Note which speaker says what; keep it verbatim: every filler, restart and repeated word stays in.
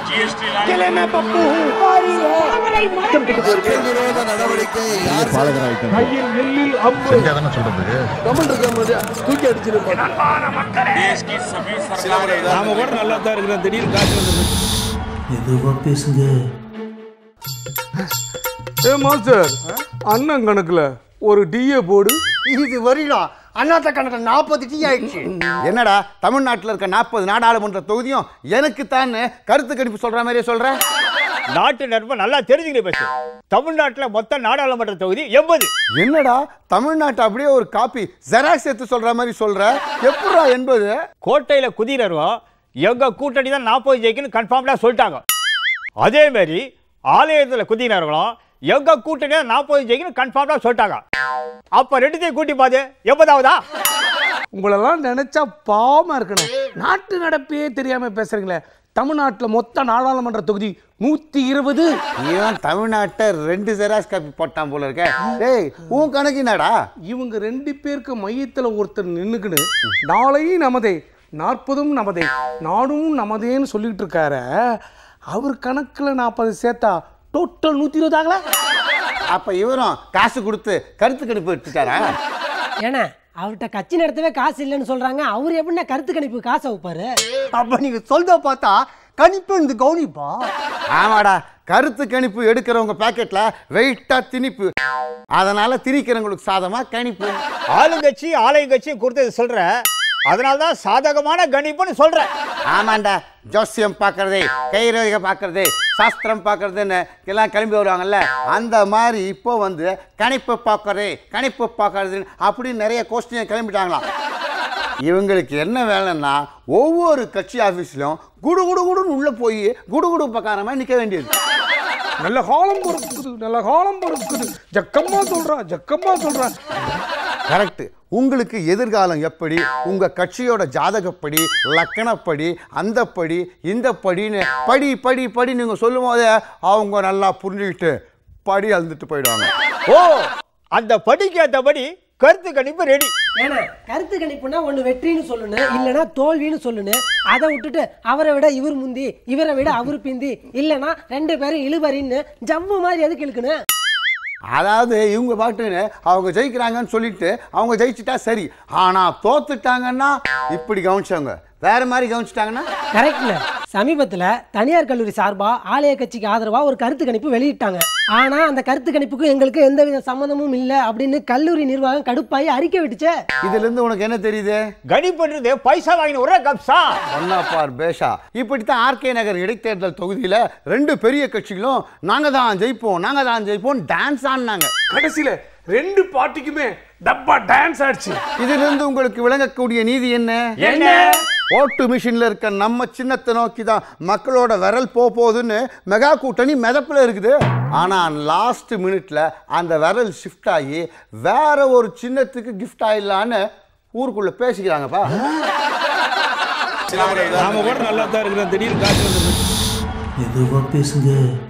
Speaker 1: किले में पप्पू हूँ विरोध நடவடிக்கை யார் பாலகராயிட்டாங்க கையில் நெல்லில் அம்பு செஞ்சாதானே சொல்றது கமெண்ட் இருக்க முடியா தூக்கி அடிச்சிரு மக்களே देश की सभी सरकारें நாம கூட நல்லா தான் இருக்கோம் திடீர்னு காசு வந்துருது எதுவா பேசுங்க ஏ மாஸ்டர் அண்ணன் கணக்குல ஒரு டிஏ போடு இது வரிடா அண்ணாத்த கணக்கு நாற்பது டி ஆயிடுச்சு என்னடா தமிழ்நாட்டில் இருக்க நாற்பது நாடாளுமன்ற தொகுதியும் எனக்கு தான் கருத்து கணிப்பு சொல்ற மாதிரியே சொல்ற நாட்டு நட்பு நல்லா தெரிஞ்சுக்கிட்டு பேசு தமிழ்நாட்டில் மொத்த நாடாளுமன்ற தொகுதி எண்பது என்னடா தமிழ்நாட்டை அப்படியே ஒரு காப்பி ஜெராக்ஸ் எடுத்து சொல்ற மாதிரி சொல்ற எப்படா எண்பது கோட்டையில் குதிரரும் எங்க கூட்டணி தான் நாற்பது ஜெயிக்குன்னு கன்ஃபார்ம்டா சொல்லிட்டாங்க அதே மாதிரி ஆலயத்தில் குதிரர்களும் எங்க கூட்டணி நாற்பது ஜெயிக்குன்னு கன்ஃபார்ம்டா சொல்லிட்டாங்க அப்ப ரெண்டுத்தையும் கூட்டி பாது எண்பதாவதா உங்களெல்லாம் நினைச்சா பாவமா இருக்கணும் நாட்டு நடப்பே தெரியாம பேசுறீங்களே தமிழ்நாட்டில் மொத்த நாடாளுமன்ற தொகுதி நூத்தி இருபது இவன் தமிழ்நாட்டை ரெண்டு ஜெராக்ஸ் காப்பி போட்டான் போல இருக்க டேய் உன் கணக்கு என்னடா இவங்க ரெண்டு பேருக்கு மையத்தில் ஒருத்தர் நின்னுக்கிட்டு நாளையும் நமதே நாற்பதும் நமதே நாடும் நமதேன்னு சொல்லிட்டு இருக்காரு அவர் கணக்கில் நாற்பது சேர்த்தா டோட்டல் நூற்றி இருபது ஆகல அப்போ இவரும் காசு கொடுத்து கருத்து கணிப்பு எடுத்துட்டாரா
Speaker 2: ஏன்னா அவர்கிட்ட கட்சி நடத்தவே காசு இல்லைன்னு சொல்றாங்க அவர் எப்படின்னா கருத்து கணிப்பு காசை வைப்பாரு
Speaker 3: அப்ப நீங்க சொல்றத பார்த்தா கணிப்பு இந்த கவனிப்பா
Speaker 1: ஆமாடா கருத்து கணிப்பு எடுக்கிறவங்க பாக்கெட்ல வெயிட்டா திணிப்பு அதனால திணிக்கிறவங்களுக்கு சாதமா கணிப்பு ஆளுங்கட்சி ஆலயங்கட்சியும் கொடுத்தது சொல்ற அதனால்தான் சாதகமான கணிப்புன்னு சொல்றேன் ஆமாண்டா ஜோசியம் பார்க்கறது கைரேகை பார்க்கறது சாஸ்திரம் பார்க்கறதுன்னு எல்லாம் கிளம்பி வருவாங்கல்ல அந்த மாதிரி இப்போ வந்து கணிப்பு பார்க்கறது கணிப்பு பார்க்கறதுன்னு அப்படின்னு நிறைய கோஷ்டியை கிளம்பிட்டாங்களாம் இவங்களுக்கு என்ன வேலைன்னா ஒவ்வொரு கட்சி ஆஃபீஸ்லையும் குடு குடு குடுன்னு உள்ள போய் குடு குடு பக்காரமா நிற்க வேண்டியது நல்ல காலம் பொறுக்குது நல்ல காலம் பொறுக்குது ஜக்கம்மா சொல்றா ஜக்கம்மா சொல்றா கரெக்ட் உங்களுக்கு எதிர்காலம் எப்படி உங்க கட்சியோட ஜாதகப்படி லக்கணப்படி அந்த படி இந்த படின்னு படி படி படி நீங்க சொல்லும் போதே அவங்க நல்லா புரிஞ்சுக்கிட்டு படி அழுந்துட்டு போயிடுவாங்க ஓ அந்த படிக்கு ஏற்றபடி கருத்து கணிப்பு ரெடி
Speaker 2: ஏன்னா கருத்து கணிப்புனா ஒன்று வெற்றின்னு சொல்லணும் இல்லைன்னா தோல்வின்னு சொல்லணும் அதை விட்டுட்டு அவரை விட இவர் முந்தி இவரை விட அவர் பிந்தி இல்லைன்னா ரெண்டு பேரும் இழுபறின்னு ஜம்மு மாதிரி எதுக்கு இழுக்கணும்
Speaker 1: அதாவது இவங்க பாட்டுன்னு அவங்க ஜெயிக்கிறாங்கன்னு சொல்லிட்டு அவங்க ஜெயிச்சுட்டா சரி ஆனா தோத்துட்டாங்கன்னா இப்படி கவனிச்சவங்க வேற மாதிரி கவனிச்சிட்டாங்கன்னா
Speaker 2: கரெக்ட்ல சமீபத்துல தனியார் கல்லூரி சார்பா ஆலய கட்சிக்கு ஆதரவா ஒரு கருத்து கணிப்பு வெளியிட்டாங்க ஆனா அந்த கருத்து கணிப்புக்கு எங்களுக்கு எந்தவித சம்மந்தமும் இல்ல அப்படின்னு கல்லூரி நிர்வாகம் கடுப்பாயி அறிக்கை விட்டுச்சு
Speaker 1: இதுல இருந்து உனக்கு என்ன தெரியுது கணிப்புன்றது பைசா வாங்கின ஒரே கப்சா ஒன்னா பார் பேஷா இப்படித்தான் ஆர்கே நகர் இடைத்தேர்தல் தொகுதியில ரெண்டு பெரிய கட்சிகளும் நாங்க தான் ஜெயிப்போம் நாங்க தான் ஜெயிப்போம் டான்ஸ் ஆடினாங்க கடைசியில ரெண்டு பார்ட்டிக்குமே டப்பா டான்ஸ் ஆச்சு இதுல இருந்து உங்களுக்கு விளங்கக்கூடிய நீதி என்ன என்ன ஓட்டு மிஷின்ல இருக்க நம்ம சின்னத்தை நோக்கி தான் மக்களோட விரல் போக போகுதுன்னு மெகா கூட்டணி மிதப்புல இருக்குது ஆனா லாஸ்ட் மினிட்ல அந்த விரல் ஷிஃப்ட் ஆகி வேற ஒரு சின்னத்துக்கு கிஃப்ட் ஆயிடலான்னு ஊருக்குள்ள பேசிக்கிறாங்கப்பா நாம கூட நல்லா தான் இருக்கிறோம் திடீர்னு காசு வந்துருது
Speaker 3: எதுவா பேசுங்க